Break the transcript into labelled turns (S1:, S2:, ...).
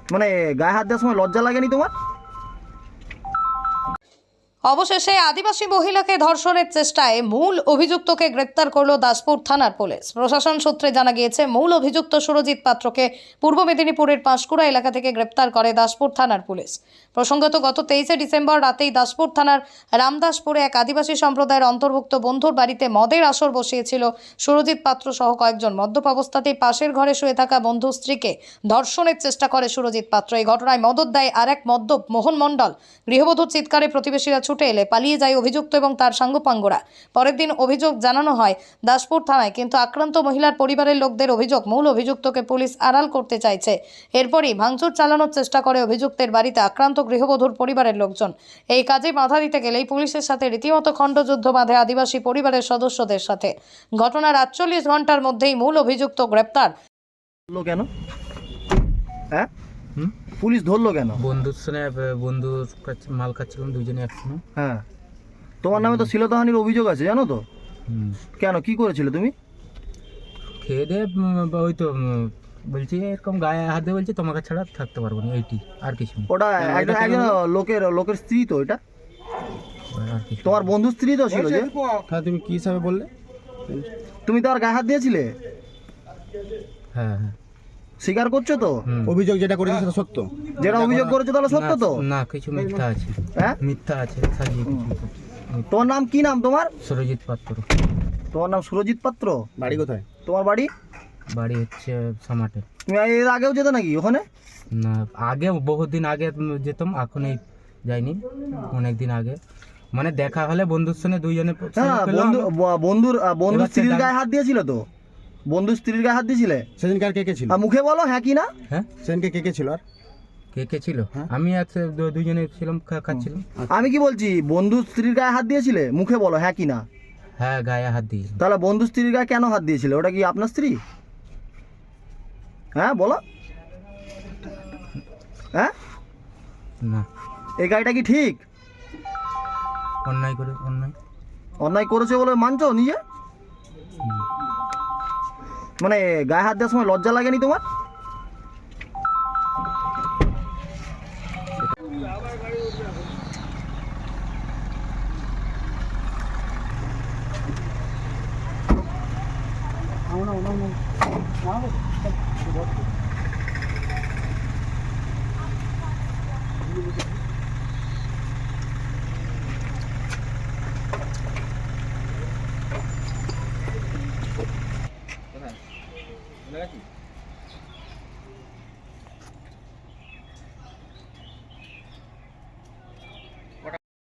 S1: মানে গায়ে হাত দেওয়ার সময় লজ্জা লাগেনি তোমার?
S2: অবশেষে আদিবাসী মহিলাকে ধর্ষণের চেষ্টায় মূল অভিযুক্তকে গ্রেপ্তার করল দাসপুর থানার পুলিশ। প্রশাসন সূত্রে জানা গিয়েছে, মূল অভিযুক্ত সুরজিৎ পাত্রকে পূর্ব মেদিনীপুরের পাঁশকুড়া এলাকা থেকে গ্রেপ্তার করে দাসপুর থানার পুলিশ। প্রসঙ্গত, গত 23শে ডিসেম্বর রাতেই দাসপুর থানার রামদাসপুরে এক আদিবাসী সম্প্রদায়ের অন্তর্ভুক্ত বন্ধুর বাড়িতে মদের আসর বসিয়েছিল সুরজিৎ পাত্র সহ কয়েকজন। মদ্যপ অবস্থাতেই পাশের ঘরে শুয়ে থাকা বন্ধু স্ত্রীকে ধর্ষণের চেষ্টা করে সুরজিৎ পাত্র। এই ঘটনায় মদত দেয় আর এক মদ্যপ মোহন মণ্ডল। গৃহবধূর চিৎকারে প্রতিবেশীরা ছুটে এলে পালিয়ে যায় অভিযুক্ত এবং তার সাঙ্গপাঙ্গরা। পরের দিন অভিযোগ জানানো হয় দাসপুর থানায়, কিন্তু আক্রান্ত মহিলার পরিবারের লোকদের অভিযোগ মূল অভিযুক্তকে পুলিশ আড়াল করতে চাইছে। এরপরই ভাঙচুর চালানোর চেষ্টা করে অভিযুক্তের বাড়িতে আক্রান্ত গৃহবধূর পরিবারের লোকজন। এই কাজে বাধা দিতে গেলেই পুলিশের সাথে রীতিমতো খণ্ডযুদ্ধ বাঁধে আদিবাসী পরিবারের সদস্যদের সাথে। ঘটনার 48 ঘন্টার মধ্যেই মূল অভিযুক্ত গ্রেপ্তার।
S1: ধরলো কেন? হ্যাঁ, পুলিশ ধরলো কেন?
S3: বন্ধুর সঙ্গে বন্ধুর কাছে মাল খাচ্ছিলাম দুজনে একসঙ্গে।
S1: হ্যাঁ, তোমার নামে তো শ্লীলতাহানির অভিযোগ আছে, জানো তো? কেন, কি করেছিলে তুমি?
S3: খেয়ে দিয়ে ওই তো বলছি এরকম গায়ে হাত দিয়ে বলছি তোমাকে ছাড়া থাকতে পারবো না, এইটি আর কিছু না।
S1: ওটা একজন লোকের স্ত্রী তো, এটা
S3: আর কিছু
S1: তোমার বন্ধুর স্ত্রী তো ছিল যে?
S4: হ্যাঁ, তুমি কি হিসাবে বললে?
S1: তুমি তো আর গায়ে হাত দিয়েছিলে?
S3: হ্যাঁ হ্যাঁ
S1: স্বীকার করছো তো?
S4: অভিযোগ যেটা করেছে সেটা সত্য?
S1: যেটা অভিযোগ করেছো তাহলে সত্য তো?
S3: না, কিছু মিথ্যা আছে।
S1: হ্যাঁ,
S3: মিথ্যা আছে, সাজিয়ে কিছু।
S1: তোমার নাম কি? নাম তোমার?
S3: সুরজিৎ পাত্র।
S1: তোমার নাম সুরজিৎ পাত্র?
S4: বাড়ি কোথায়?
S1: তোমার বাড়ি?
S3: বাড়ি হচ্ছে সামাটে।
S1: তুমি এর আগেও যেতে নাকি ওখানে?
S3: না, আগে বহুদিন আগে যেতাম, এখন এই যাইনি। অনেক দিন আগে মানে দেখা হলে বন্ধুর সঙ্গে দুইজনে
S1: হ্যাঁ, বন্ধুর স্ত্রীর গায়ে হাত দিয়েছিল তো? বন্ধুর স্ত্রীর গায়ে হাত দিয়েছিলে?
S4: সেদিনকে আর কে কে ছিল?
S1: আর মুখে বলো হ্যাঁ কি না?
S3: হ্যাঁ,
S4: সেদিনকে কে কে ছিল? আর
S3: কে কে ছিল? আমি আর দুইজনে ছিলাম, খাচ্ছিলাম।
S1: আমি কি বলছি, বন্ধুর স্ত্রীর গায়ে হাত দিয়েছিলে? মুখে বলো হ্যাঁ কি না।
S3: হ্যাঁ, গায়ে হাত দিয়ে।
S1: তাহলে বন্ধুর স্ত্রীর গায়ে কেন হাত দিয়েছিলে? ওটা কি আপনার স্ত্রী? হ্যাঁ বলো। হ্যাঁ,
S3: না,
S1: এই গাড়িটা কি ঠিক?
S3: অন্যায় করে
S1: অন্যায় করেছে বলে মানছো নিজে? মানে গায়ে হাত দেওয়ার সময় লজ্জা লাগেনি তোমার?
S4: না